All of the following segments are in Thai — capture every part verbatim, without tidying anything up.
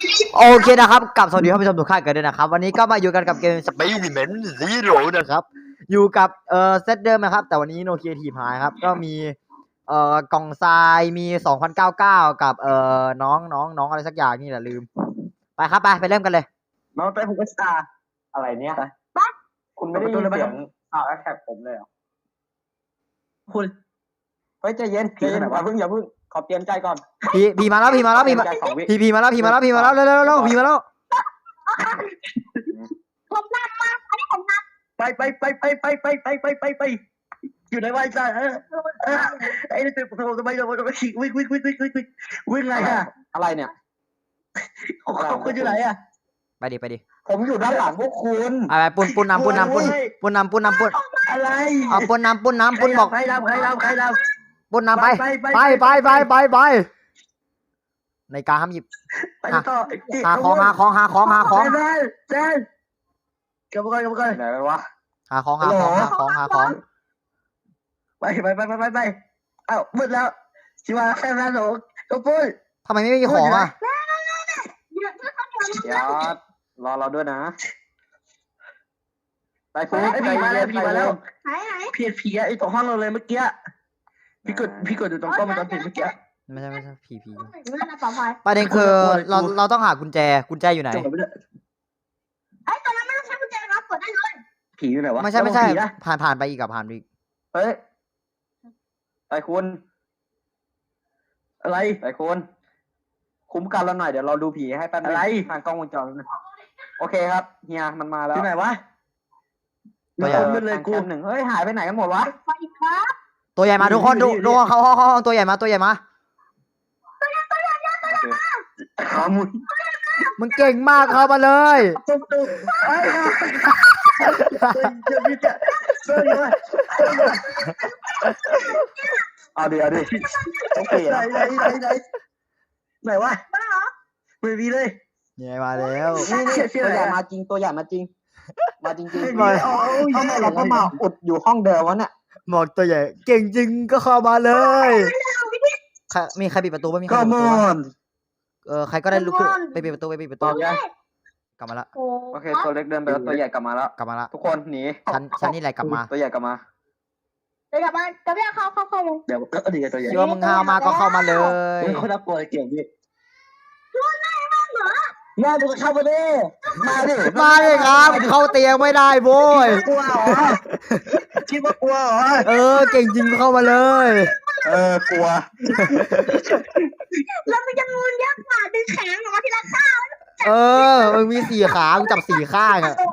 โอเคนะครับกับสวัสดีท่านผู้ชมทุกท่านกันด้วยนะครับวันนี้ก็มาอยู่กันกับเกม Experiment Zero นะครับอยู่กับเอ่อเซตเดิมนะครับแต่วันนี้โนเกียทีพายครับก็มีเอ่อกล่องทรายมีสองพันเก้าสิบเก้ากับเอ่อน้องน้องน้องอะไรสักอย่างนี่แหละลืมไปครับไปไปเริ่มกันเลยน้องเต้ผมก็สตาร์อะไรเนี่ยคุณไม่ได้ยินเสียงข่าวแอคแท็กผมเลยเหรอคุณเฮ้ยใจเย็นใจเย็นอย่าเพิ่งอย่าเพิ่งขอเตรียมใจก่อนพีพีมาแล้วพีมาแล้วพีมาพีพีมาแล้วพีมาแล้วพีมาแล้วเร็วเร็วเร็วพีมาแล้วผมนำมาอันนี้ผมนำไปไปไปไปไปไปไปไปไปไปอยู่ในวัยจ้าเออเออไอ้นี่ตื่นผมทำไมทำไมทำไมวิ่งวิ่งวิ่งวิ่งวิ่งวิ่งวิ่งอะไรอะอะไรเนี่ยเขาคุณอยู่ไหนอะไปดิไปดิผมอยู่ด้านหลังพวกคุณอะไรปุนปุนน้ำปุนน้ำปุนปุนน้ำปุนน้ำปุนอะไรเอาปุนน้ำปุนน้ำปุนบอกใครนำใครนำใครนำปุนน้ำไปไปไปไปไปไปในการห้ามหยิบหาของหาของหาของหาของเจนเจนกลับมาก่อนกลับมาก่อนไหนวะหาของหาของหาของหาของไปไปไปไปไปไปเอ้ามืดแล้วชิวาแค่นั้นหรอกก็ปุ้ยทำไมไม่มีของอ่ะเดี๋ยวรอเราด้วยนะไปปุ้ยไปมาแล้วพี่มาแล้วไหนไหนพี่ผีไอ้ตรงห้องเราเลยเมื่อกี้พี่กดพี่กดอยู่ตรงกล้องมันตอนผิดเมื่อกี้ไม่ใช่ไม่ใช่ผีผีประเด็นคือเราเราต้องหากุญแจกุญแจอยู่ไหนไอ้ตอนนั้นไม่ต้องใช้กุญแจครับเปิดได้เลยผีอยู่ไหนวะไม่ใช่ไม่ใช่ผ่านผ่านไปอีกกับผ่านไปอีกเฮ้ยไอ้คุณอะไรไอ้คุณคุ้มกันเราหน่อยเดี๋ยวเราดูผีให้แป๊บนึงอะไรทางกล้องวงจรโอเคครับเฮียมันมาแล้วที่ไหนวะตัวใหญ่เลยกูหนึ่งเฮ้ยหายไปไหนกันหมดวะไปครับตัวใหญ่มาทุกคนดูดูเขาเขาเขาตัวใหญ่มาตัวใหญ่มาตัวใหญ่ตัวใหญ่ตัวใหญ่มาขามุยมึงเก่งมากเข้ามาเลยตุ๊บตุ๊บไอ้จะมีจะเสื้อเลยเอาดิเอาดิต้องเปลี่ยนไหนไหนไหนไหนไหนวะไม่มีเลยเนี่ยมาแล้วตัวใหญ่มาจริงตัวใหญ่มาจริงมาจริงจริงเลยทำไมเราก็มาอุดอยู่ห้องเดิมวะเนี่ยหมอกตัวใหญ่เก่งจริงก็เข้ามาเลยมีใครปิดประตูบ้างมีใครปิดประตูเออใครก็ได้ลุกขึ้นไปปิดประตูไปปิดประตูกลับมาละโอเคตัวเล็กเดินไปแล้วตัวใหญ่กลับมาแล้วกลับมาละทุกคนหนีฉันฉันนี่แหละกลับมาตัวใหญ่กลับมาเดี๋ยวกลับมาจะไม่เข้าเข้าเข้าเดี๋ยวก็ดีตัวใหญ่คิดว่ามึงห้าวมาก็เข้ามาเลยคนน่ากลัวเก่งดิมาดูเข้ามาดิมาดิมาดิครับเข้าเตียงไม่ได้โว้ยกลัวเหรอคิดว่ากลัวเหรอเออเก่งจริงเข้ามาเลยเออกลัวแล้วมันจะงูยักษ์หมาดึงแขนออกมาทีละข้างเออมึงมีสี่ขามึงจับสี่ข้างอะ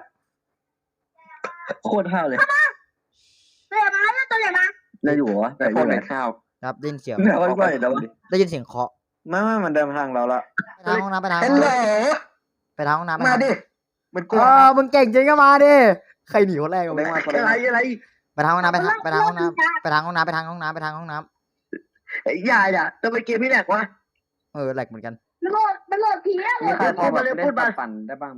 โคตรห้าวเลยตัวใหญ่มาแล้วตัวใหญ่มาได้อยู่วะแต่โคตรเป็นข้าวครับได้ยินเสียงได้ยินเสียงเคาะไม่ไม่มันเดินทางเราละไปทางห้องน้ำไปทางไปทางห้องน้ำมาดิมันกลัวมึงเก่งจริงก็มาดิใครหนีคนแรกอะไรอะไรอะไรไปทางห้องน้ำไปทางไปทางห้องน้ำไปทางห้องน้ำไปทางห้องน้ำไปทางห้องน้ำไอ้ยายอ่ะจะไปเกมพี่แหลกวะเออแหลกเหมือนกันมันโหลดมันโหลดผีอ่ะมีใครพอมาเล่นพูดมาปั่นได้บ้างไหม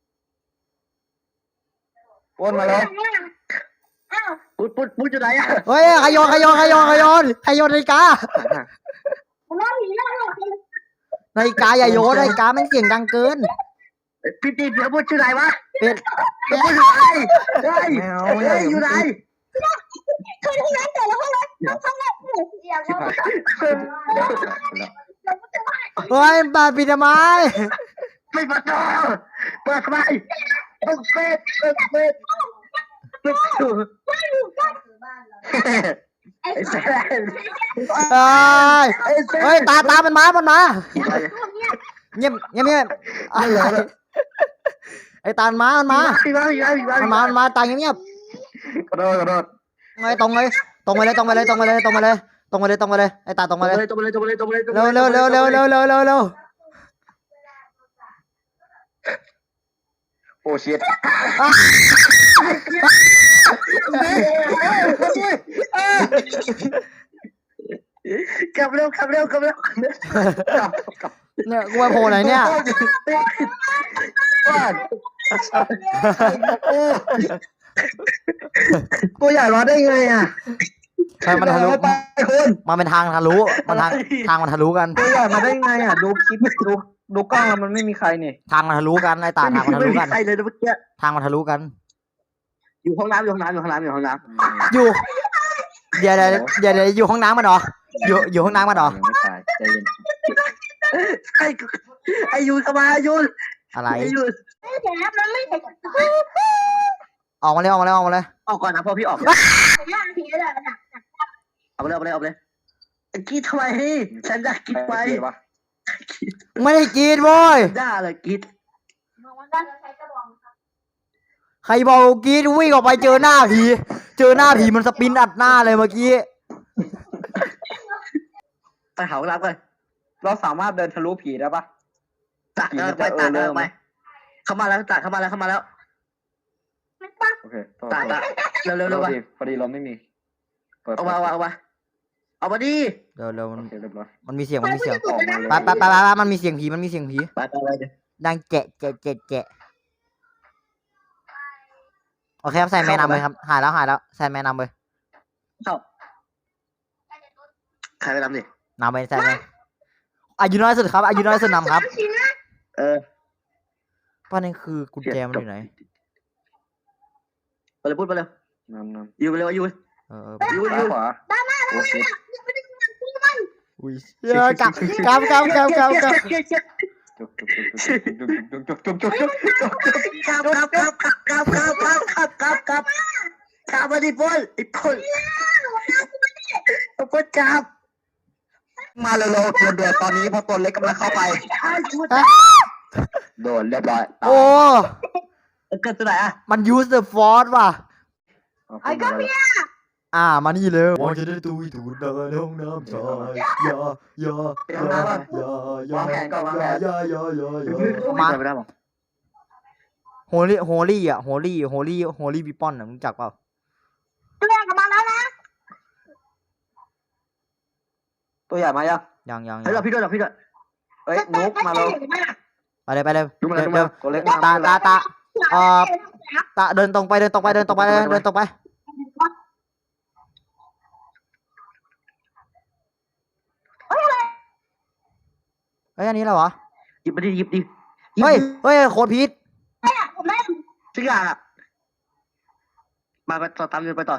วนมาแล้วพูดพูดพูดอยู่ไหนอ่ะเฮ้ยขยอนขยอนขยอนขยอนขยอนนาฬิกานาฬิกาอย่าโยนนาฬิกาแม่งเสียงดังเกินพี่ตีเดี๋ยวพูดชื่อไหนวะเป็ดเป็ดพูดอยู่ไหนเฮ้ยเฮ้ยอยู่ไหนคือห้องน้ำแต่ละห้องน้ำห้องน้ำหนูเสียงเฮ้ยเปิดปิดทำไมไม่เปิดเปิดทำไมเปิดเปิดเปิดเปิดเปิดไอ้แซนเฮ้ยตาตามันมามันมาเงียบเงียบเงียบไอ้ตามันมามันมามันมามันมาตาเงียบเงียบกระโดดกระโดดไงตรงเลยตรงไปเลยตรงไปเลยตรงไปเลยตรงไปเลยตรงไปเลยตรงไปเลยไอ้ตาตรงไปเลยตรงไปเลยตรงไปเลยตรงไปเลยเร็วเร็วเร็วเร็วเร็วเร็วเร็วเร็วโอ้เชียกลับเร็วกลับเร็วกลับเร็วเนี่ยกูไปโผล่ไหนเนี่ยตัวใหญ่รอได้ไงอ่ะใช่มันทะลุมันเป็นทางทะลุมันทางทางมันทะลุกันตัวใหญ่มาได้ไงอ่ะดูคลิปดูดูกล้องแล้วมันไม่มีใครนี่ทางมันทะลุกันไอ้ตาทางมันทะไม่ลุมีกันใครเลยนะเมื่อกี้ทางมันทะลุกันอยู่ห้องน้ำอยู่ห้องน้ำอยู่ห้องน้ำอยู่ห้องน้อยู่เดี๋ยวเดี๋ยวเดี๋ยวเดี๋ยวอยู่ห้องน้ำมันเหรออยู่อยู่ห้องน้ำมันเหรอยังไม่ตายใจเย็นำไอ้ไอ้ยูนเข้ามาไอ้ยูนอะไรไอ้ยูนไม่เห็นมันไม่เห็นออกมาเลยออกมาเลยออกมาเลยออกก่อนนะพ่อพี่ออกหน้าผีเลยนะเอาไปเลยเอาไปเลยเอาไปเลยไอ้กีดทำไมฉันอยากกินไปปะไม่ได้กินโว้ยด่าเลยกีดมองว่าด้านใช้กระบอกใครบอกกินวิ่งออกไปเจอหน้าผีเจอหน้าผีมันสปินอัดหน้าเลยเมื่อกี้ไปหาห้องน้ำกันเราสามารถเดินทะลุผีได้ปะตัดเดินไปตัดเดินไปเข้ามาแล้วตัดเข้ามาแล้วเข้ามาแล้วมันปังโอเคโทษตัดตัดเร็วเร็วเร็เร็ววไปดิพอดีเราไม่มีเปิดเอามาเอามาเอามาเอามาดิเดี๋ยวเดี๋ยวโอมันเคเรียบร้อยมันมีเสียงมันมีเสียงออกมาเลยไปไปไปไปมันมีเสียงผีมันมีเสียงผีไปไปไปเดี๋ยวดังแกะแกะแกะแกะโอเคครับแซนแมนนำเลยครับหายแล้วหายแล้วแซนแมนนำเลยเข้าใครไปทำดินำไปแซนแมนอายุน้อยสุดครับอายุน้อยสุดนำครับเออประเด็นคือกุญแจมันอยู่ไหนไปเลยพูดไปเลยนำนำยูไปเลยยูเออยูซ้ายยูขวาโอเคอุ้ยเชี่ยกลับกลับกลับกลับกลับกลับจุกจุกจุกจุกจุกจุกจุกจุกจุกจุกครับครับครับครับครับครับครับครับครับครับมาดิพลไอ้พลเอาพลจับมาเร็วๆเดือดๆตอนนี้พอตัวเล็กกำลังเข้าไป โดนเรียบร้อยโอ้เกิดตัวไหนอ่ะมัน use the force ว่ะไอ้ก็มีอ่ามานี่เลยว่าจะได้ตุยตูดเดินห้องน้ำชายยายายายายายายายายายามาไม่ได้หรอโฮลี่โฮลี่อ่ะโฮลี่โฮลี่โฮลี่บิปปอนอ่ะมึงจักเปล่าเรื่องกับมาแล้วนะตัวใหญ่มายังยังยังให้เราพี่ด้วยเราพี่ด้วยเอ้ยนุกมาแล้วไปเลยไปเลยนุกมาเดิแล้วนตัวเล็กตามาตาตาเอ่อตาเดินตรงไปเดินตรงไปเดินตรงไปเดินเดินตรงไปเฮ้ยอันนี้อะไรวะหยิบมาดิหยิบดิเฮ้ยเฮ้ยโคตรพีทผมไม่ทุกอย่างอ่ะมาไปต่อตามเดินไปต่อ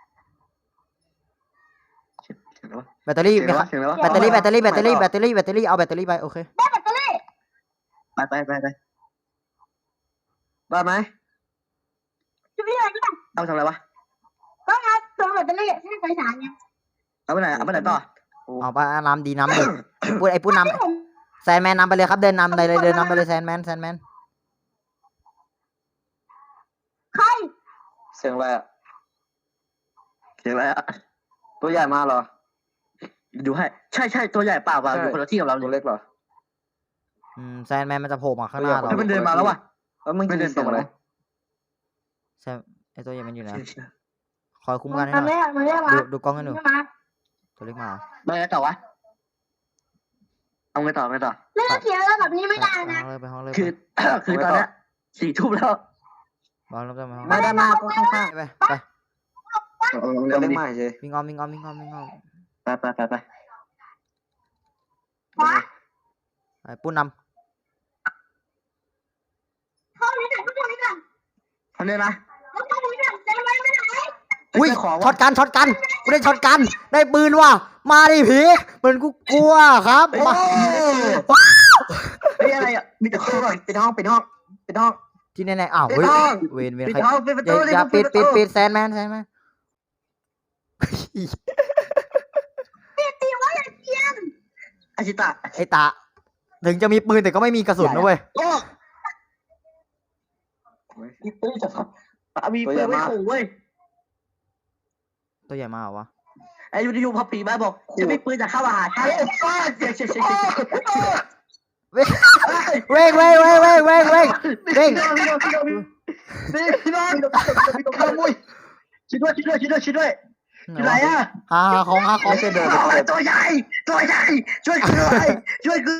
แบตเตอรี่เสียงอะไรวะเสียงอะไรวะแบตเตอรี่แบตเตอรี่แบตเตอรี่แบตเตอรี่แบตเตอรี่เอาแบตเตอรี่ไปโอเคได้แบตเตอรี่ไปไปไปไปบ้าไหมจะไปไหนก็ได้เอาทำอะไรวะก็งานตัวแบตเตอรี่ที่ไฟฉายไงเอาไปไหนเอาไปไหนต่อเอาไปน้ำดีน้ำดิพูดไอ้พูดน้ำแซนแมนนำไปเลยครับเดินนำไปเลยเดินนำไปเลยแซนแมนแซนแมนใครเสียงอะไรอ่ะเสียงอะไรอ่ะตัวใหญ่มาเหรอดูให้ใช่ใช่ตัวใหญ่เปล่าเปล่าอยู่คนละที่กับเราตัวเลยเล็กเหรออืมแซนแมนมันจะโผล่มาข้างหน้าเราให้มันเดินมาแล้ววะแล้วมึงไม่เดินตรงเลยแซมไอ้ตัวใหญ่มันอยู่ไหนคอยคุ้มกันให้หมันน่อยไม่มันไม่มาดูดูกล้องให้หนูไม่มาตัวเล็กมาไปไงต่อวะเอาไงต่อไงต่อเรื่องเขียวแล้วแบบนี้ไม่ได้ไปนะห้องเลยไปห้องเลยคือ คือตอนนี้สี่ทุ่มแล้วบอลลบไปห้องไม่ได้มาก็ข้างไปไปๆตัวเล็กมาเฉยวิ่งอ้อมวิ่งอ้อมวิ่งอ้อมวิ่งอ้อมไปไปไปไปไปปุ้นนเข้าไหนกันเข้าไหนกันเขาเนี่ยนะเข้าไหนกันจะไปไม่ไหนำอุ้ยของช็อตกันช็อตกันกูได้ช็อตกันได้ปืนว่ะมาดิผีเหมือนกูกลัวครับโอ้มาเฮ้ยอะไรอ่ะมีแต่คนก่อนปิดห้องปิดห้องปิดห้องที่แน่ๆอ้าวปิดเฮ้ยห้องเวนเวนปิดใครห้องปิดประอย่าตูอย่าปิดปิดปิดแซนแมนแซนแมนตีว่าอย่างเทียมอาชิตะไอ้ตาถึงจะมีปืนแต่ก็ไม่มีกระสุนนะเว้ยโอ้มีปืนจะพับมีปืนไม่ขู่เว้ยตัวใหญ่มาเหรอวะไอ้ยูนิยูพอปีมาบอกจะมีปืนจะเข้ามาหาฉันป้าเจ๊เจ๊เจ๊เจ๊เว้งเว้งเว้งเว้งเว้งเว้งเว้งเว้งพี่น้องพี่น้องพี่น้องพี่น้องพี่น้องขโมยช่วยด้วยช่วยด้วยช่วยด้วยช่วยด้วยอยู่ไหนอ่ะหาหาของหาของไม่ใช่เดินตัวใหญ่ตัวใหญ่ช่วยกูด้วยช่วยกู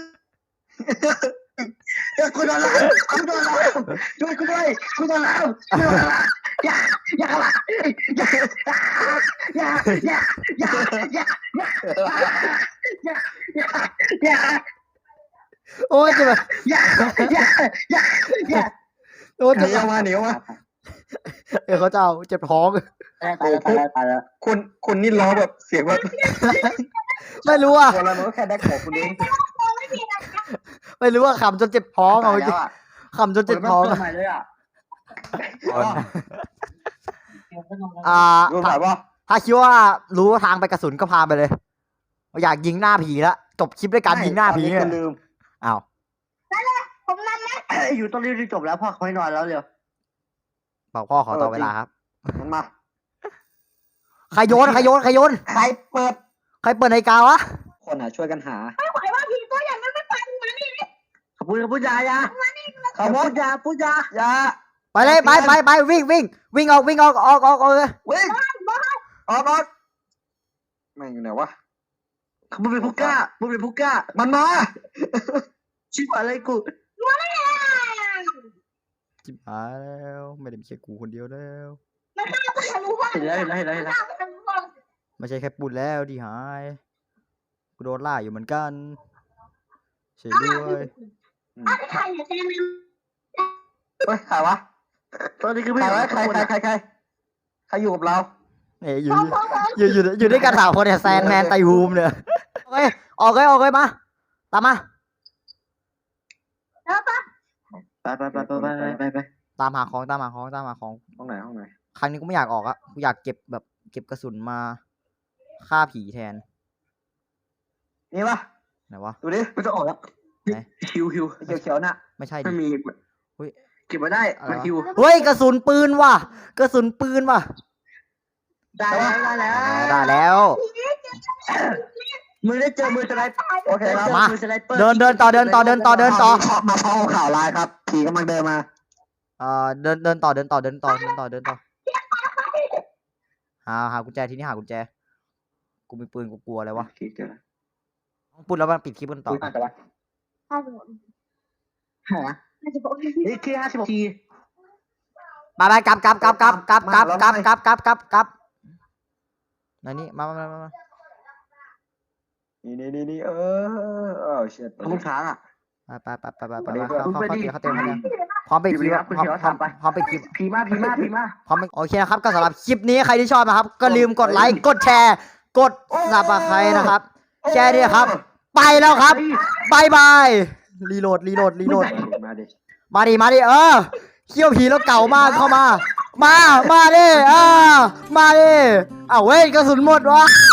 ช่วยกูด้วยกูโดนแล้วช่วยกูด้วยกูโดนแล้วช่วยกูด้วยอย่าอย่าอย่าอย่าอย่าอย่าอย่าอย่าอย่าอย่าโอ้อ้ยเจ็บอย่าอย่าอย่าอย่าโอ้ยหเจ็นีบออกมาหนีออกมาเออเขาจะเอาเจ็บท้องตายแล้วตายแล้วตายแล้วคุณคุณนี่ร้องแบบเสียงแบบไม่รู้อ่ะคนละมันก็แค่ได้ของคุณเองไม่มีอะไรไม่รู้ว่าขำจนเจ็บท้องเอาจริงขำจนเจ็บท้องเกิดใหม่เลยอ่ะอ่ารู้ไหมว่าถ้าคิดว่ารู้ทางไปกระสุนก็พาไปเลย อยากยิงหน้าผีแล้วจบคลิปด้วยการยิงหน้าผีตอนนี้เนี่ยคุณลืมอ้าวผมนำนะอยู่ตรงนี้จบแล้วพ่อเขาให้นอนแล้วเร็วบอกพ่อขอต่อเวลาครับมันมาใครโยนใครโยนใครโยนใครเปิดใครเปิดนาฬิกาวะคนอ่ะช่วยกันหาไม่ไหวว่าผีตัวใหญ่มันไม่ไปมานี่ขอบคุณขอบคุณยายาขโมพูยดยาพูดยาอยาไปเลยไปไปไปวิ่งวิ่งวิ่งออกวิ่งออกออกออกออกเลยวิ่งออกออกแม่งอยู่ไหนวะมึงเป็นผู้กล้ามึงเป็นผู้กล้ามันมาชิบหายอะไรกูจิบหายแล้วไม่ได้มีแค่กูคนเดียวแล้วมันฆ่าตัวทะลุบ้านเห็นแล้วเห็นแล้วเห็นแล้วเห็นแล้วฆ่าตัวทะลุบ้านไม่ใช่แค่ปุ่นแล้วที่หายกูโดนล่าอยู่เหมือนกันเฉยด้วยอ้าวใครเนี่ยแซมเฮ้ยใครวะตอนนี้คือใคไม่รเห็นวะใครใครใครใครใครอยู่กับเราเอ้ยอยู่พร้อมพร้อมพร้อมอยู่อยู่อยู่ด้วยกันสามคนเนี่ยแซนแมนไตฮูมเนี่ยโอเคออกเลยออกเลยมาตามมาแล้วปะไปไปไปไปไปไปไปตามหาของตามหาของตามหาของห้องไหนห้องไหนครั้งนี้กูไม่อยากออกอะกูอยากเก็บแบบเก็บกระสุนมาฆ่าผีแทนนี่ปะไหนวะดูดิไม่ต้องออกแล้วฮิวฮิวเขียวเขียวๆน่ะไม่ใช่ไม่ดิมีเฮ้ยเก็บมาได้มันฮิวเฮ้ยกระสุนปืนว่ะกระสุนปืนว่ะได้แล้วได้แล้วได้แล้วมือได้เจอมือสไลเปอร์โอเคครับมามือสไลเปอร์เดินเดินต่อเดินต่อเดินต่อเดินต่อมาเข้าข่าวไลน์ครับผีกำลังเดินมาเอ่อเดินเดินต่อเดินต่อเดินต่อเดินต่อเดินต่อหาหากุญแจที่นี่หากุญแจกูมีปืนกูกลัวอะไรวะโอเคเจอแล้วต้องปุดแล้วมันปิดคลิปกันต่อคุยกันแต่ว่าห้าสิบหกหาห้าสิบหกนี่แค่ห้าสิบหกทีไปไปกลับกลับกลับกลับกลับกลับกลับกลับกลับกลับกลับไหนนี่มามามามามานี่นี่นี่นี่เออเออเชิดขอบคุณช้างอ่ะไปไปไปไปไปไปเข้าเข้าเข้าเตียงเข้าเตียงเข้าเตียงพร้อมไปคลิปพร้อมพร้อมพร้อมไปคลิปพีมากพีมากพีมากพร้อมโอเคนะครับก็สำหรับคลิปนี้ใครที่ชอบนะครับ ก็ลืมกดไลค์กดแชร์ กดซับสไครต์นะครับ แชร์ด้วยครับ ไปแล้วครับบายบายรีโหลดรีโหลดรีโหลดมาดิมาดิมาดิเออเขี้ยวผีแล้วเก่ามากเข้ามา มามาดิเออมาดิอ้าวเว้ยกระสุนหมดวะ